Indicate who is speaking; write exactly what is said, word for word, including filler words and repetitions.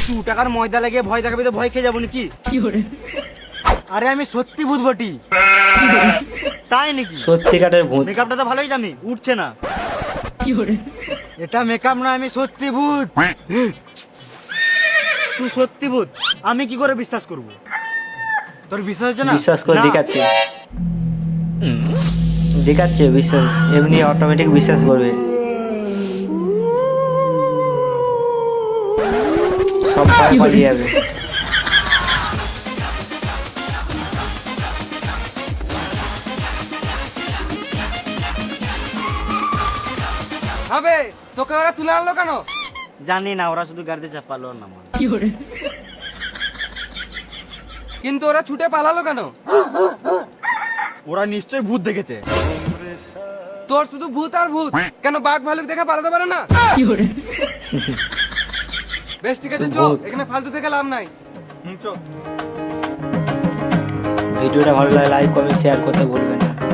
Speaker 1: দু টাকার ময়দা লাগিয়ে ভয় দেখাবি তো ভয় খেয়ে যাবো নাকি? আরে আমি সত্যি ভূত বটি। তাই নাকি?
Speaker 2: সত্যিকারের ভূত।
Speaker 1: মেকআপটা তো ভালোই জানি, উঠছে না। এটা মেকআপ না, আমি সত্যি ভূত। তুই সত্যি ভূত, আমি কি করে বিশ্বাস করব? তোর বিশ্বাস হচ্ছে না?
Speaker 2: বিশ্বাস করে
Speaker 1: না।
Speaker 2: দেখাচ্ছে দেখাচ্ছে বিশ্বাস, এমনি অটোমেটিক বিশ্বাস করবে। সব ভয় পালিয়ে যাবে।
Speaker 3: হবে তোকে ওরা তুলে আনলো কেন?
Speaker 1: জানি না, ওরা শুধু গাড়িতে চাপালো না।
Speaker 3: কিন্তু ওরা ছুটে পালালো কেন?
Speaker 1: ওরা নিশ্চয়ই ভূত দেখেছে।
Speaker 3: তোর শুধু ভূত আর ভূত, কেন বাঘ ভালুক দেখে পালাতে পারে না? বেশ ঠিক আছে, চল,
Speaker 2: ভূত।
Speaker 3: এখানে ফালতু থেকে লাভ নাই।
Speaker 1: হুম, চল।
Speaker 2: ভিডিওটা ভালো লাগে লাইক কমেন্ট শেয়ার করতে ভুলবেন না।